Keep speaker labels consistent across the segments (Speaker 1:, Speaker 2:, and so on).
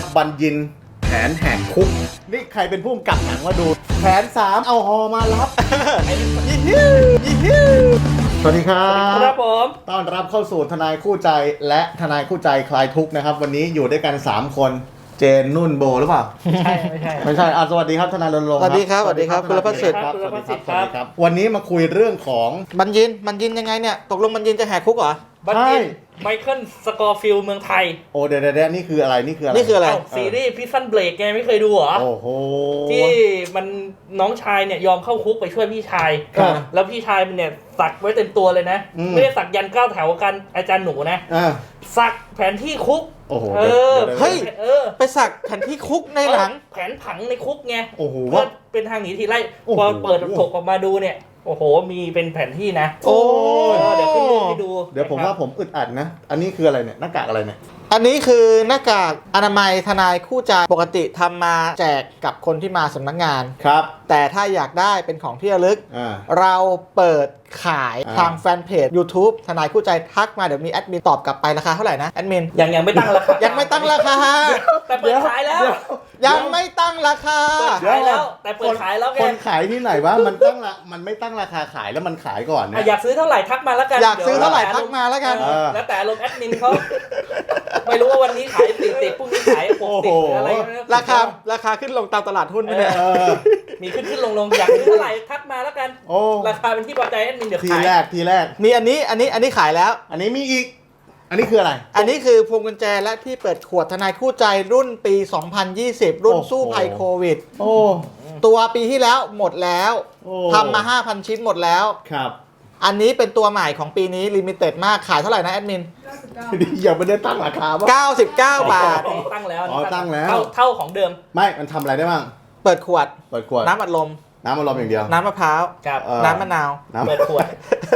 Speaker 1: บัญญินแผนแหกคุกนี่ใครเป็นผู้กำกับหนังมาดูแผน3เอาฮอมารับสวัสดีครับ
Speaker 2: ครับผม
Speaker 1: ต้อนรับเข้าสู่ทนายคู่ใจและทนายคู่ใจคลายทุกข์นะครับวันนี้อยู่ด้วยกัน3คนเจนนุ่นโบหรือเปล่าไม่ใช่สวัสดีครับทนายรณรงค์
Speaker 3: สวัสดีครับสวัสดีครับคุณรพัฒน์สิทธิ์
Speaker 1: ครับสวัสดีครับวันนี้มาคุยเรื่องของ
Speaker 3: บัญญินยังไงเนี่ยตกลงบัญญินจะแหกคุกเหรอ
Speaker 2: บัญญินไมเคิลสกอร์ฟิลด์เมืองไทย
Speaker 1: โอ้เดี๋ยวนี่คืออะไรนี่คืออะไร
Speaker 2: ซีรีส์พิซซันเบรกไงไม่เคยดูเหรอ
Speaker 1: โอ้โห
Speaker 2: ที่มันน้องชายเนี่ยยอมเข้าคุกไปช่วยพี่ชายแล้วพี่ชายมันเนี่ยสักไว้เต็มตัวเลยนะไม่ได้สักยันก้าวแถวกันอาจารย์หนูนะสักแผนที่คุก
Speaker 1: โอ้โห
Speaker 3: เฮ้ยไปสักแผนที่คุกในหลัง
Speaker 2: แผนผังในคุกไง
Speaker 1: โอ้โห
Speaker 2: ว่าเป็นทางหนีทีไล่พอเปิดถกออกมาดูเนี่ยโอ้โหมีเป็นแผนที่นะ
Speaker 3: โอ้
Speaker 2: เดี๋ยวขึ้นรูปให้ดู
Speaker 1: เดี๋ยวผมว่าผมอึดอัดนะอันนี้คืออะไรเนี่ยหน้ากากอะไรเนี่ย
Speaker 3: อันนี้คือหน้ากากอนามัยทนายคู่ใจปกติทำมาแจกกับคนที่มาสำนักงาน
Speaker 1: ครับ
Speaker 3: แต่ถ้าอยากได้เป็นของที่ระลึกเราเปิดขายทางแฟนเพจ YouTube ทนายคู่ใจทักมาเดี๋ยวมีแอดมินตอบกลับไปราคาเท่าไหร่นะแอดมิน
Speaker 2: ยังไม่ตั้งราคา
Speaker 3: ยังไม่ตั้งราคา
Speaker 2: แต่เปิดขายแล้ว
Speaker 3: ยังไม่ตั้งราคา
Speaker 2: เปิดขายแล้วแต่เปิดขายแล้ว
Speaker 1: คนขายที่ไหนวะมันไม่ตั้งราคาขายแล้วมันขายก่อนเนี่ย
Speaker 2: อยากซื้อเท่าไหร่ทักมาแล้วกัน
Speaker 3: อยากซื้อเท่าไหร่ทักมาแล้วกัน
Speaker 2: แล้วแต่ลงแอดมินเขาไม่รู้ว่าวันนี้ขาย40พรุ่งนี้ขาย60อะไร
Speaker 3: ราคาขึ้นลงตามตลาดหุ้นเนี่ย
Speaker 2: มีขึ้นลงอยากซื้อเท่าไหร่ทักมาแล้วกันราคาเป็นที่พอใจแอดมินเดี๋ยวขาย
Speaker 1: ทีแรก
Speaker 3: มีอันนี้ขายแล้ว
Speaker 1: อันนี้มีอีกอันนี้คืออะไร
Speaker 3: อันนี้คือพวงกุญแจและที่เปิดขวดทนายคู่ใจรุ่นปี2020รุ่นสู้ภัยโควิดตัวปีที่แล้วหมดแล้วทำมา 5,000 ชิ้นหมดแล้ว
Speaker 1: ครับ
Speaker 3: อันนี้เป็นตัวใหม่ของปีนี้ลิมิเต็ดมากขายเท่าไหร่นะแอดมิน
Speaker 1: ยังไม่ได้ตั้งราคาป่ะ
Speaker 3: 99 บาท
Speaker 2: ตั้งแล้ว
Speaker 1: ตั้งแล้ว
Speaker 2: เท่าของเดิม
Speaker 1: ไม่มันทำอะไรได้บ้าง
Speaker 3: เปิดขวดน้ำอัดลม
Speaker 1: อย่างเดียว
Speaker 3: น้ำมะพร้าวน้ำมะนาว
Speaker 2: เปิดขวด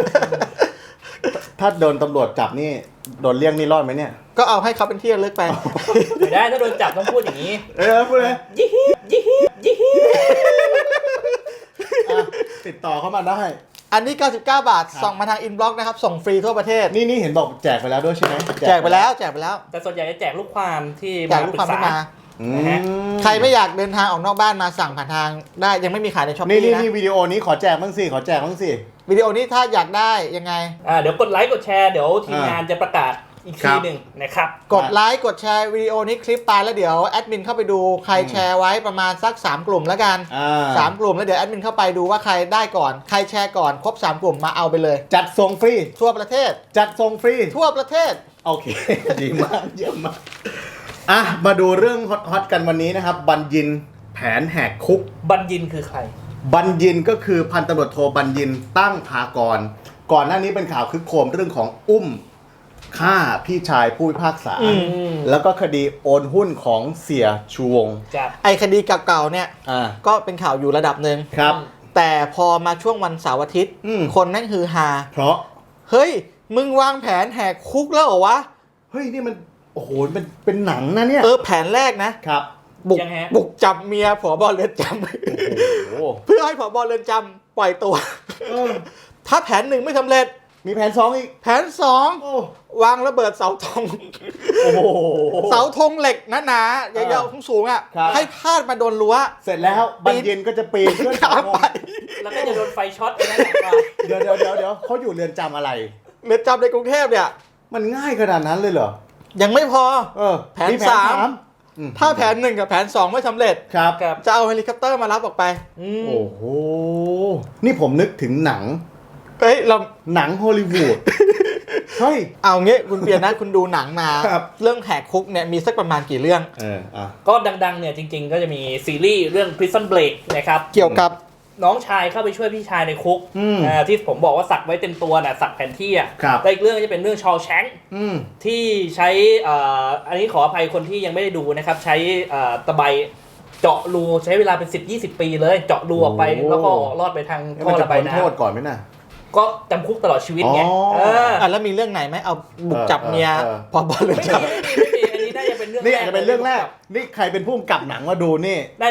Speaker 1: ถ้าโดนตำรวจจับนี่โดนเรียกนี่รอดไหมเนี่ย
Speaker 3: ก็เอาให้เขาเป็นที่ระลึกไป
Speaker 2: ไม่ได้ถ้าโดนจับต้องพูดอย่างนี้
Speaker 1: พูดเลย
Speaker 2: ยี่
Speaker 1: ติดต่อเข้ามาได้
Speaker 3: อันนี้99 บาทส่งมาทางอินบ็อกซ์นะครับส่งฟรีทั่วประเทศ
Speaker 1: นี่เห็นบอกแจกไปแล้วด้วยใช่ไหม
Speaker 3: แจกไปแล้ว
Speaker 2: แต่ส่วนใหญ่จะแจกลูกความที่
Speaker 3: แจกลูกความที่มาใครไม่อยากเดินทางออกนอกบ้านมาสั่งผ่านทางได้ยังไม่มีขายในช้อปปี้นะ
Speaker 1: นี่วิดีโอนี้ขอแจกบ้างสิ
Speaker 3: วิดีโอนี้ถ้าอยากได้ยังไง
Speaker 2: เดี๋ยวกดไลค์กดแชร์เดี๋ยวทีมงานจะประกาศอีกทีหนึ่งนะครับ
Speaker 3: กดไลค์กดแชร์วิดีโอนี้คลิปตายแล้วเดี๋ยวแอดมินเข้าไปดูใครแชร์ไว้ประมาณสัก3กลุ่มแล้วกัน3กลุ่มแล้วเดี๋ยวแอดมินเข้าไปดูว่าใครได้ก่อนใครแชร์ก่อนครบ3กลุ่มมาเอาไปเลย
Speaker 1: จัดส่งฟรี
Speaker 3: ทั่วประเทศทั่วประเทศ
Speaker 1: โอเคดีมากเยี่ยมมากมาดูเรื่องฮอตกันวันนี้นะครับบัญญินแผนแหกคุก
Speaker 2: บัญญินคือใคร
Speaker 1: บัญญินก็คือพันตำรวจโทบัญญินตั้งภากรก่อนหน้านี้เป็นข่าวคึกโครมเรื่องของฆ่าพี่ชายผู้พิพากษาแล้วก็คดีโอนหุ้นของเสียชูวง
Speaker 3: ไอคดีเก่าๆเนี่ยก็เป็นข่าวอยู่ระดับหนึ่ง
Speaker 1: ครับ
Speaker 3: แต่พอมาช่วงวันเสาร์อาทิตย์คนนั่นฮือฮา
Speaker 1: เพราะ
Speaker 3: เฮ้ยมึงวางแผนแหกคุกแล้วเหรอวะ
Speaker 1: เฮ้ยนี่มันโอ้โหมันเป็นหนังนะเนี่ย
Speaker 3: แผนแรกนะครับ บุกจับเมียผบ.เรือนจำเพื่อให้ผบ.เรือนจำปล่อยตัวถ้าแผน1ไม่สำเร็จ
Speaker 1: มีแผน2อีก
Speaker 3: แผน2วางระเบิดเสาธงเสาธงเหล็กหนาๆยาวๆสูงๆให้พาดมาโดนรั้ว
Speaker 1: เสร็จแล้วบัญญินก็จะปีนขึ้น
Speaker 3: ไป
Speaker 2: แล้วก็จะโดนไฟช็อตไปนั่นแหละ
Speaker 1: เดี๋ยวเขาอยู่เรือนจำอะไร
Speaker 3: เรือนจำในกรุงเทพเนี่ย
Speaker 1: มันง่ายขนาดนั้นเลยเหรอ
Speaker 3: ยังไม่พอแผน3ถ้าแผน1กับแผน2ไม่สำเร็จจะเอาเฮลิคอปเตอร์มารับออกไป
Speaker 1: โอ้โหนี่ผมนึกถึงหนังหนังฮอลลีวูดเฮ้ย
Speaker 3: เอางี้คุณเปียนะคุณดูหนังมาเรื่องแหกคุกเนี่ยมีสักประมาณกี่เรื่อง
Speaker 2: ก็ดังๆเนี่ยจริงๆก็จะมีซีรีส์เรื่อง Prison Break นะครับ
Speaker 3: เกี่ยวกับ
Speaker 2: น้องชายเข้าไปช่วยพี่ชายในคุกที่ผมบอกว่าสักไว้เต็มตัวน่ะสักแผนที่แต่อีกเรื่องจะเป็นเรื่องชอว์แชงค์ที่ใช้อันนี้ขออภัยคนที่ยังไม่ได้ดูนะครับใช้ตะไบเจาะรูใช้เวลาเป็น10-20 ปีเลยเจาะรูออกไปแล้วก็รอดไปทางท่อระบายน้ำ
Speaker 1: โทษก่อนไหมนะ
Speaker 2: ก็จำคุกตลอดชีวิตไง
Speaker 3: แล้วมีเรื่องไหนไหมเอาบุกจับเมียพอบอลเลย
Speaker 2: ไม่มีอันนี้น่าจะเป็นเรื่อง
Speaker 1: นี่อาจจะเป็นเรื่องแรกนี่ใครเป็นผู้กำกับหนังมาดูนี่
Speaker 2: น่าจะ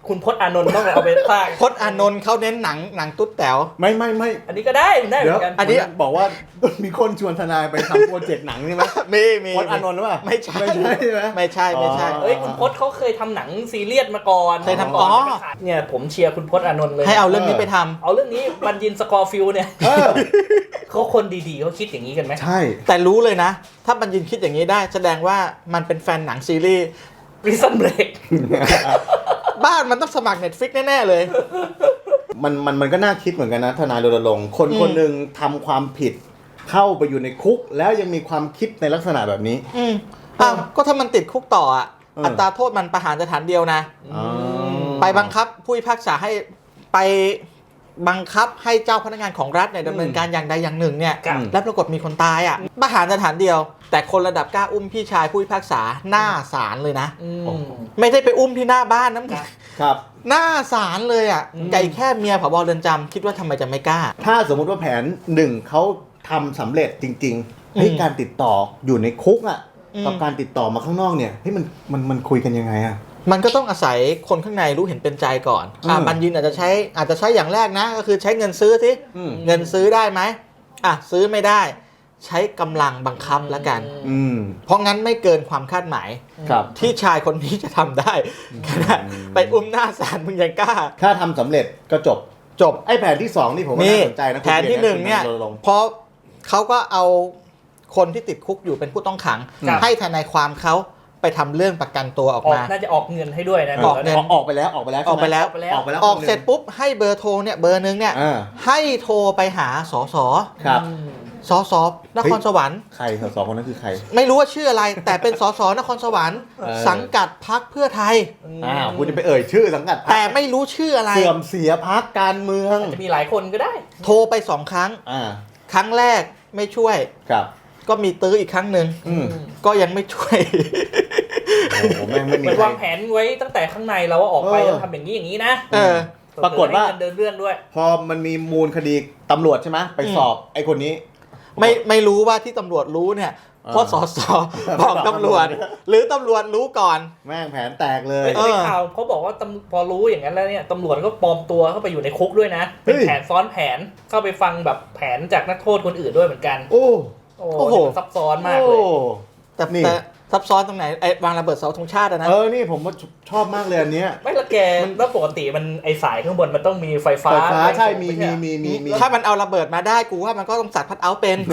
Speaker 2: คุณพจน์อานนท์ต้องเอาไปสร้าง
Speaker 3: พจน์อานนท์เขาเน้นหนังตุ๊ดแต๋ว
Speaker 1: ไม่
Speaker 2: อันนี้ก็ได้เหมื
Speaker 1: เดี๋
Speaker 2: อย นกัน
Speaker 1: อันนี้บอกว่ามีคนชวนทนายไปทำโปรเจกต์หนังใช่ไหม
Speaker 3: มี
Speaker 1: พจน์อานนท์หรือเปล่า
Speaker 3: ไม่ใช่
Speaker 1: ไม่ใช่ไหม
Speaker 3: ไม่ใช่
Speaker 2: เอ้ยคุณพจน์เขาเคยทำหนังซีเรียสมาก่อน
Speaker 3: เคยทำ
Speaker 2: ก่อน
Speaker 3: อ๋อ
Speaker 2: จะไปขายเนี่ยผมเชียร์คุณพจน์อานนท์เลย
Speaker 3: ให้เอาเรื่องนี้ไปทำ
Speaker 2: เอาเรื่องนี้บัญญินสกอร์ฟิลด์เนี่ย
Speaker 1: เออ
Speaker 2: เขาคนดีๆเขาคิดอย่างนี้กันไหม
Speaker 1: ใช่
Speaker 3: แต่รู้เลยนะ ถ้าบัญญินคิดอย่างนี้ได้แสดงว่ามันเป็นแฟนหนังซีรีส์
Speaker 2: Prison Break
Speaker 3: บ้านมันต้องสมัคร Netflix แน่ๆเลย
Speaker 1: มันก็น่าคิดเหมือนกันนะทนายรณรงค์คนคนหนึ่งทำความผิดเข้าไปอยู่ในคุกแล้วยังมีความคิดในลักษณะแบบนี้
Speaker 3: ก็ถ้ามันติดคุกต่ออ่ะ อัตราโทษมันประหารสถานเดียวนะ ไปบังคับผู้พิพากษาให้ไปบังคับให้เจ้าพนักงานของรัฐเนี่ยดำเนินการอย่างใดอย่างหนึ่งเนี่ย
Speaker 2: ครับ
Speaker 3: แล้วปรากฏมีคนตายอ่ะประหารสถานเดียว แต่คนระดับกล้าอุ้มพี่ชายผู้พิพากษาหน้าศาลเลยนะ ไม่ได้ไปอุ้มที่หน้าบ้านน้ำ
Speaker 1: ครับ
Speaker 3: หน้าศาลเลยอ่ะไก่แค่เมียผบเรือนจำคิดว่าทำไมจะไม่กล้า
Speaker 1: ถ้าสมมุติว่าแผนหนึ่งเขาทำสำเร็จจริงๆให้การติดต่ออยู่ในคุกอ่ะกับการติดต่อมาข้างนอกเนี่ยให้มันคุยกันยังไงอ่ะ
Speaker 3: มันก็ต้องอาศัยคนข้างในรู้เห็นเป็นใจก่อนบัญญินอาจจะใช้อย่างแรกนะก็คือใช้เงินซื้อสิเงินซื้อได้ไหมซื้อไม่ได้ใช้กำลังบังคับแล้วกันเพราะงั้นไม่เกินความคาดหมายที่ชายคนนี้จะทำได้ขนาดไปอุ้มหน้าศาลมึงยังกล้า
Speaker 1: ถ้าทำสำเร็จก็จบไอ้แผนที่2นี่ผมว่าน่าสนใจนะ
Speaker 3: แผนที่1เนี่ยเพราะเขาก็เอาคนที่ติดคุกอยู่เป็นผู้ต้องขังให้ทนายความเขาไปทำเรื่องประกันตัวออกมา
Speaker 2: น่าจะออกเงินให้ด้วยนะ
Speaker 1: ออกไปแล้วออก
Speaker 3: เสร็จปุ๊บให้เบอร์โทรเนี่ยเบอร์นึงเนี่ยให้โทรไปหาสส
Speaker 1: ครับ
Speaker 3: สสนครสวรรค์
Speaker 1: ใครสสคนนั้นคือใคร
Speaker 3: ไม่รู้ว่าชื่ออะไรแต่เป็นสสนครสวรรค์สังกัดพรรคเพื่อไทย
Speaker 1: คุณจะไปเอ่ยชื่อสังกัด
Speaker 3: แต่ไม่รู้ชื่ออะไร
Speaker 1: เสื่อมเสียพรรคการเมือง
Speaker 2: จะมีหลายคนก็ได้
Speaker 3: โทรไป2ครั้งครั้งแรกไม่ช่วย
Speaker 1: ครับ
Speaker 3: ก็มีตื้ออีกครั้งหนึ่งก็ยังไม่ช่วย
Speaker 2: เหมือนวางแผนไว้ตั้งแต่ข้างในแล้วว่าออกไปจะทำอย่างนี้อย่างนี้นะ
Speaker 1: ปรากฏว่า
Speaker 2: เดินเรื่องด้วย
Speaker 1: พอมันมีมูลคดีตำรวจใช่ไหมไปสอบไอ้คนนี้
Speaker 3: ไม่รู้ว่าที่ตำรวจรู้เนี่ยเพราะสสบอกตำรวจหรือตำรวจรู้ก่อน
Speaker 1: แม่งแผนแตกเลย
Speaker 2: ในข่าวเขาบอกว่าพอรู้อย่างนั้นแล้วเนี่ยตำรวจก็ปลอมตัวเข้าไปอยู่ในคุกด้วยนะเป็นแผนซ้อนแผนเข้าไปฟังแบบแผนจากนักโทษคนอื่นด้วยเหมือนกัน
Speaker 1: โอ้โห
Speaker 2: ซับซ้อนมากเลย
Speaker 3: แต่ซับซ้อนตรงไหนไอ้วางระเบิดเสาธงชาตินะ
Speaker 1: นี่ผมชอบมากเลยอันเนี้ย
Speaker 2: ไม่ละแกแล้วปกติมันไอสายข้างบนมันต้องมีไฟฟ้า
Speaker 1: ใช่มี
Speaker 3: ถ้ามันเอาระเบิดมาได้กูว่ามันก็ต้องสับคัทเอาท์เป็น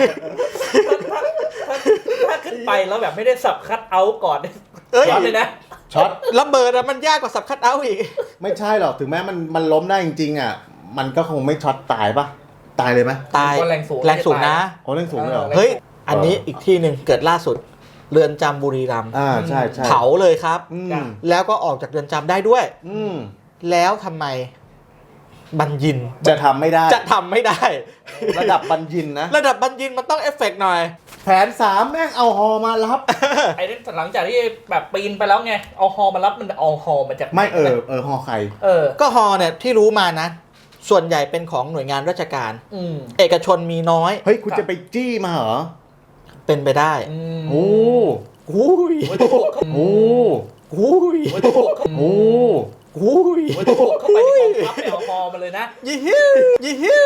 Speaker 2: ถ้าขึ้นไปแล้วแบบไม่ได้สับคัทเอาท์ก่อนช็อตเลยนะ
Speaker 1: ช็อต
Speaker 3: ระเบิดมันยากกว่าสับคัทเอาท์อีก
Speaker 1: ไม่ใช่หรอกถึงแม้มันล้มได้จริงๆอ่ะมันก็คงไม่ช็อตตายปะตายเลยไหม
Speaker 3: ตายแรงสูงนะ
Speaker 1: แรงสูงเลยเหรอ
Speaker 3: เฮ้ยอันนี้อีกที่หนึ่งเกิดล่าสุดเรือนจำบุรีรัมย์
Speaker 1: ใช่
Speaker 3: เผาเลยครับแล้วก็ออกจากเรือนจำได้ด้วยแล้วทำไมบัญญิน
Speaker 1: จะทำไม่ได้ระดับบัญญินนะ
Speaker 3: ระดับบัญญินมันต้องเอฟเฟกต์หน่อย
Speaker 1: แผน3แม่งเอาฮอมารับ
Speaker 2: ไอ้หลังจากที่แบบปีนไปแล้วไงเอาฮอมารับมันเอาฮอมาจาก
Speaker 1: ไม่ฮอใคร
Speaker 3: ก็ฮอเนี่ยที่รู้มานะส่วนใหญ่เป็นของหน่วยงานราชการเอกชนมีน้อย
Speaker 1: เฮ้ยคุณจะไปจี้มาเหรอ
Speaker 3: เป็นไปได้
Speaker 1: โอ้
Speaker 3: โห
Speaker 1: โอ้
Speaker 3: โห
Speaker 1: โอ้
Speaker 2: เข้าไปในกองทัพเอาฮอมาเลยนะ
Speaker 3: ยี่ฮิวเ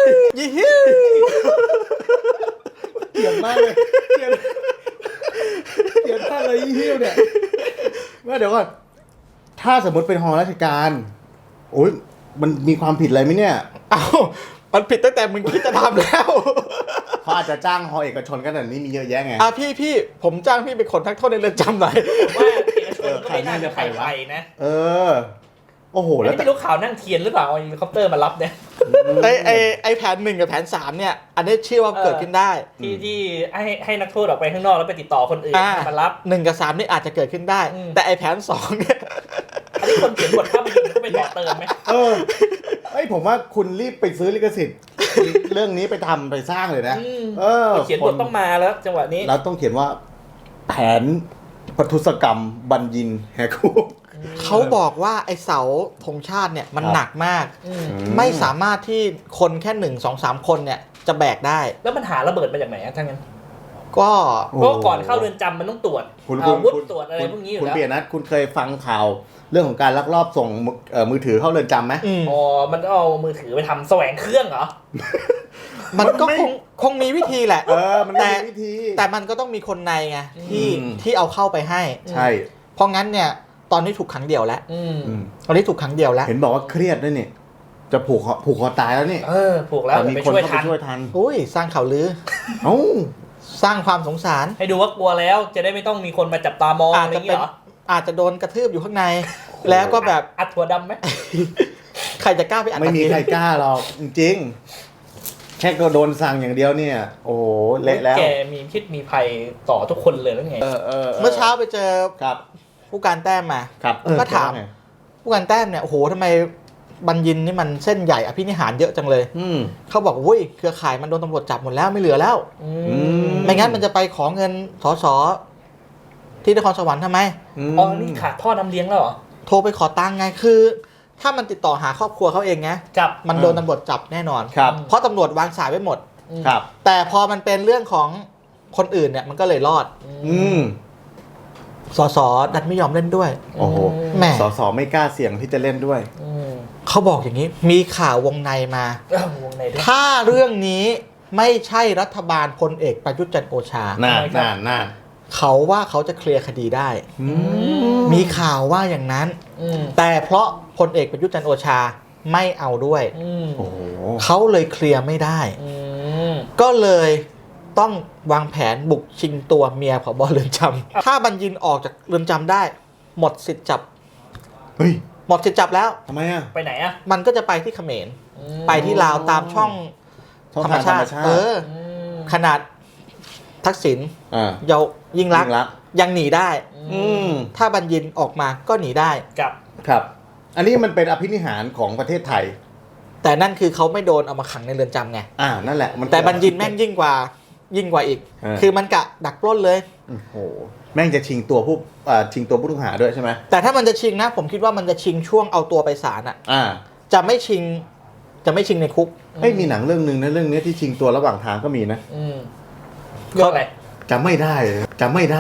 Speaker 1: กลียดมากเลยเกลียดท่าเลยยี่ฮิวเนี่ยว่าเดี๋ยวก่อนถ้าสมมติเป็นฮอราชการโอ้ยมันมีความผิดอะไรไหมเนี่ย
Speaker 3: มันผิดตั้งแต่มึงคิดจะทำแล้ว
Speaker 1: เขาอาจจะจ้างฮอเอกชนกันแต่นี้มีเยอะแยะไง
Speaker 3: พี่ผมจ้างพี่เป็นคนทักโทษในเรือนจำหน่อย
Speaker 2: ว่าเอกชนก็ไม่น่าจะไปนะ
Speaker 1: โอ้โหแล้ว
Speaker 2: ไม่รู้ข่าวนั่งเทียนหรือเปล่าเฮลิคอปเตอร์มารับเนี่ย
Speaker 3: ไอแผน1กับแผน3เนี่ยอันนี้เชื่อว่าเกิดขึ้นได้
Speaker 2: ที่ให้นักโทษออกไปข้างนอกแล้วไปติดต่อคนอื่นมารับ
Speaker 3: 1กับ3นี่อาจจะเกิดขึ้นได้แต่ไอแผน2เนี่ย
Speaker 2: อันนี้คนเขียนบทภาพยนตร์เขาไปต่อเติมไหม
Speaker 1: ผมว่าคุณรีบไปซื้อลิขสิทธิ์เรื่องนี้ไปทำไปสร้างเลยนะ
Speaker 2: เขียนบทต้องมาแล้วจังหวะนี้
Speaker 1: แล้วต้องเขียนว่าแผนปทุศกรรมบัญญินแหกคุก
Speaker 3: เขาบอกว่าไอเสาธงชาติเนี่ยมันหนักมากไม่สามารถที่คนแค่1 2 3คนเนี่ยจะแบกได้
Speaker 2: แล้วมันหาระเบิดมาจากไหนทั้งนั้น
Speaker 3: ก็
Speaker 2: เพราะก่อนเข้าเรือนจำมันต้องตรวจอาวุธตรวจอะไรพวกนี้อยู่
Speaker 1: คุณ
Speaker 2: แล้ว
Speaker 1: เปียนัทคุณเคยฟังข่าวเรื่องของการลักลอบส่งมือถือเข้าเรือนจำไหม
Speaker 2: อ๋อมันเอามือถือไปทำแสวงเครื่องเหรอ
Speaker 3: มันก็คงมีวิธีแหละ
Speaker 1: มันมีวิธี
Speaker 3: แต่มันก็ต้องมีคนในไงที่เอาเข้าไปให้
Speaker 1: ใช่
Speaker 3: เพราะงั้นเนี่ยตอนนี้ถูกขังเดี่ยวแล้วตอนนี้ถูกขังเดี่ยวแล้ว
Speaker 1: เห็นบอกว่าเครียดด้วยนี่จะผูกคอตายแล้วนี่
Speaker 2: ผูกแล้ว
Speaker 1: แต่มี
Speaker 2: ไป
Speaker 1: คน
Speaker 2: ช่วย
Speaker 1: เข้า
Speaker 2: ทั
Speaker 1: ไป
Speaker 2: น
Speaker 1: ช่วยทัน
Speaker 3: อุ้ยสร้างข่าวลือ
Speaker 1: เอ้า
Speaker 3: สร้างความสงสาร
Speaker 2: ให้ดูว่ากลัวแล้วจะได้ไม่ต้องมีคนมาจับตามองอะไรอย่างเงี้ยเหรอ
Speaker 3: อาจจะโดนกระทืบอยู่ข้างใน แล้วก็แบบ
Speaker 2: อัดถั่วดำไหม
Speaker 3: ใครจะกล้าไปอัด
Speaker 1: ไม่มีใครกล้าหรอกจริงๆแค่ก็โดนสั่งอย่างเดียวเนี่ยโอ้โหเละแล้ว
Speaker 2: แกมีพิษมีภัยต่อทุกคนเลยแล้วไง
Speaker 3: เมื่อเช้าไปเจอ
Speaker 1: ครับ
Speaker 3: ผู้การแต้มมา
Speaker 1: ครับ
Speaker 3: ก็ถาม ผู้การแต้มเนี่ยโอ้โหทำไมบัญญินนี่มันเส้นใหญ่อภินิหารเยอะจังเลยเขาบอกอุ้ยเครือข่ายมันโดนตำรวจจับหมดแล้วไม่เหลือแล้วไม่งั้นมันจะไปขอเงินสสที่นครสวรรค์ทำไม
Speaker 2: อ๋อนี่ขาดท่อน้ำเลี้ยงแล้วเหรอ
Speaker 3: โทรไปขอตังค์ไงคือ ถ้ามันติดต่อหาครอบครัวเขาเองไง
Speaker 2: จับ
Speaker 3: มันโดนตำรวจจับแน่นอน
Speaker 1: ครับ
Speaker 3: เพราะตำรวจวางสายไว้หมด
Speaker 1: ครับ
Speaker 3: แต่พอมันเป็นเรื่องของคนอื่นเนี่ยมันก็เลยรอด สสดันไม่ยอมเล่นด้วย
Speaker 1: โอ้โห
Speaker 3: แหม่
Speaker 1: สไม่กล้าเสี่ยงที่จะเล่นด้วย
Speaker 3: เขาบอกอย่างนี้มีข่าววงในมา
Speaker 2: วงในด้วย
Speaker 3: ถ้าเรื่องนี้ไม่ใช่รัฐบาลพลเอกประยุทธ์จันทร์โอชา
Speaker 1: น่า
Speaker 3: เขาว่าเขาจะเคลียร์คดีได้ มีข่าวว่าอย่างนั้น แต่เพราะพลเอกประยุทธ์จันทร์โอชาไม่เอาด้วย
Speaker 1: โอ้โห
Speaker 3: เขาเลยเคลียร์ไม่ได้ ก็เลยต้องวางแผนบุกชิงตัวเมียผบ.เรือนจำถ้าบัญญินออกจากเรือนจำได้ หมดสิทธิ์จับ
Speaker 1: เฮ้ย
Speaker 3: หมดสิทธิ์จับแล้ว
Speaker 1: ทำไมอ่ะ
Speaker 2: ไปไหนอ่ะ
Speaker 3: มันก็จะไปที่เขมรไปที่ลาวตามช่องธรรมชาติขนาดทักษิณเยายิ่งรักษณ์ยังหนีได้ถ้าบัญญินออกมาก็หนีได้
Speaker 1: ครับ อันนี้มันเป็นอภินิหารของประเทศไทย
Speaker 3: แต่นั่นคือเขาไม่โดนเอามาขังในเรือนจำไง
Speaker 1: นั่นแหละมัน
Speaker 3: แต่บัญญินแม่งยิ่งกว่าอีก คือมันกะดักปล้นเลย
Speaker 1: โอ้โหแม่งจะชิงตัวผู้ต้องหาด้วยใช่ไหม
Speaker 3: แต่ถ้ามันจะชิงนะผมคิดว่ามันจะชิงช่วงเอาตัวไปศาลอ่ะ จะไม่ชิงในคุก
Speaker 1: ไม่มีหนังเรื่องนึงนะเรื่องนี้ที่ชิงตัวระหว่างทางก็มีนะ
Speaker 2: เรื่องอะไร
Speaker 1: จำไม่ได้จำไม่ได้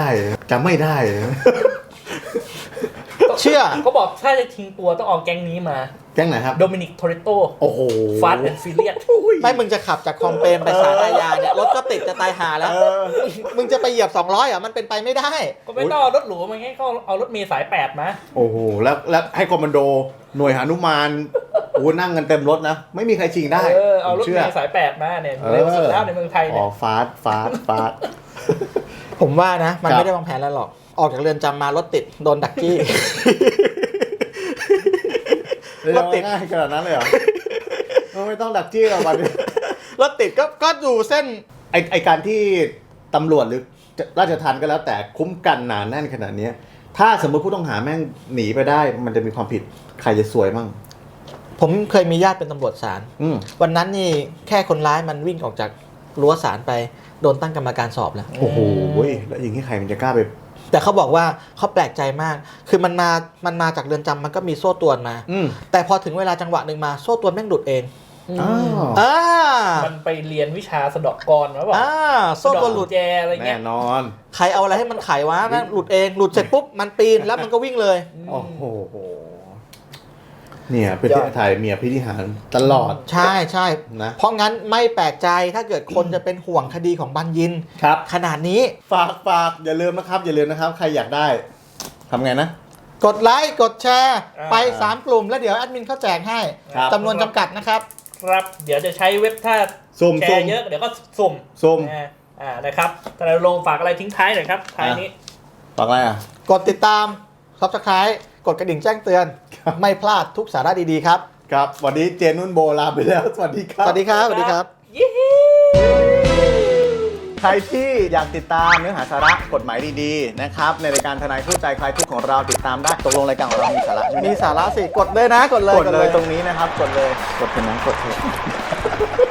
Speaker 3: เชื่อ
Speaker 2: ก็บอกถ้าจะทิ้งตัวต้องเอาแก๊งนี้มา
Speaker 1: แก๊งไหนครับ
Speaker 2: โดมินิก โทเรโต
Speaker 1: โอ้โห
Speaker 2: ฟาสต์แอนด์ฟิเลียส
Speaker 3: ไม่มึงจะขับจากคลองเปรมไปศาลอาญาเนี่ยรถก็ติดจะตายหาแล้ว มึงจะไปเหยียบ200อ่ะมันเป็นไปไม่ได้
Speaker 2: ก็ไม่ต้องเอารถหรูมาให้เขาเอารถเมล์สาย8มา
Speaker 1: โอ้โหแล้วให้คอมมานโดหน่วยหนุมานโอ้นั่งกันเต็มรถนะไม่มีใครชิงได้
Speaker 2: เอารถเมล์สาย8มาเนี่ยเร็วสุดแล้วในเมืองไทยเนี่ย
Speaker 1: ฟาส
Speaker 3: ผมว่านะมันไม่ได้วางแผนแล้วหรอกออกจากเรือนจำมารถติดโดนดักจี้
Speaker 1: รถติดง่ายขนาดนั้นเลยเหรอไม่ต้องดักจี้หรอกวันนี้
Speaker 3: รถติดก็ดูเส้น
Speaker 1: ไอการที่ตำรวจหรือราชทัณฑ์ก็แล้วแต่คุ้มกันหนาแน่นขนาดนี้ถ้าสมมติผู้ต้องหาแม่งหนีไปได้มันจะมีความผิดใครจะซวยมั่ง
Speaker 3: ผมเคยมีญาติเป็นตำรวจศาล วันนั้นนี่แค่คนร้ายมันวิ่งออกจากรั้วศาลไปโดนตั้งกรรมการสอบแล้ว
Speaker 1: โอ้โหแล้วอย่างนี้ใครมันจะกล้าไป
Speaker 3: แต่เขาบอกว่าเขาแปลกใจมาก คือมันมาจากเรือนจำมันก็มีโซ่ตรวนมา แต่พอถึงเวลาจังหวะหนึ่งมาโซ่ตรวนแม่งหลุดเอง
Speaker 2: มันไปเรียนวิชาสะเดาะกลมาบอก
Speaker 3: โซ่ตรวนหลุด
Speaker 2: แจอะไรเงี้ย
Speaker 1: แน่นอน
Speaker 3: ใครเอาอะไรให้มันไขวะแม่งหลุดเองหลุดเสร็จปุ๊บมันปีนแล้วมันก็วิ่งเลย
Speaker 1: โอ้โหเนี่ยประเทศไทยมีอภินิหารตลอด
Speaker 3: ใช่นะเพราะงั้นไม่แปลกใจถ้าเกิดคนจะเป็นห่วงคดีของบัญญิน
Speaker 1: ครับ
Speaker 3: ขนาดนี้
Speaker 1: ฝากอย่าลืมนะครับใครอยากได้ทำไงนะ
Speaker 3: กดไลค์กดแชร์ไป3กลุ่มแล้วเดี๋ยวแอดมินเขาแจกให้จำนวนจำกัดนะครับ
Speaker 2: ครับเดี๋ยวจะใช้เว็บถ้าแชร์เยอะเดี๋ยวก็สุ่มนะครับแต่เราลงฝากอะไรทิ้งท้ายหน่อยครับท้ายนี้
Speaker 1: ฝากอะไร
Speaker 3: กดติดตาม Subscribe กดกระดิ่งแจ้งเตือนไม่พลาดทุกสาระดีๆครับ
Speaker 1: ครับวันนี้เจนุ่นโบลาไปแล้วสวัสดีครับ
Speaker 3: สวัสดีครับ
Speaker 1: ใครที่อยากติดตามเนื้อหาสาระกฎหมายดีๆนะครับในรายการทนายคู่ใจคลายทุกข์ของเราติดตามได้ตกลงรายการของเรามีสาระ
Speaker 3: มีสาระสิกดเลยนะกดเลย
Speaker 1: ตรงนี้นะครับกดเลยกดเถอะ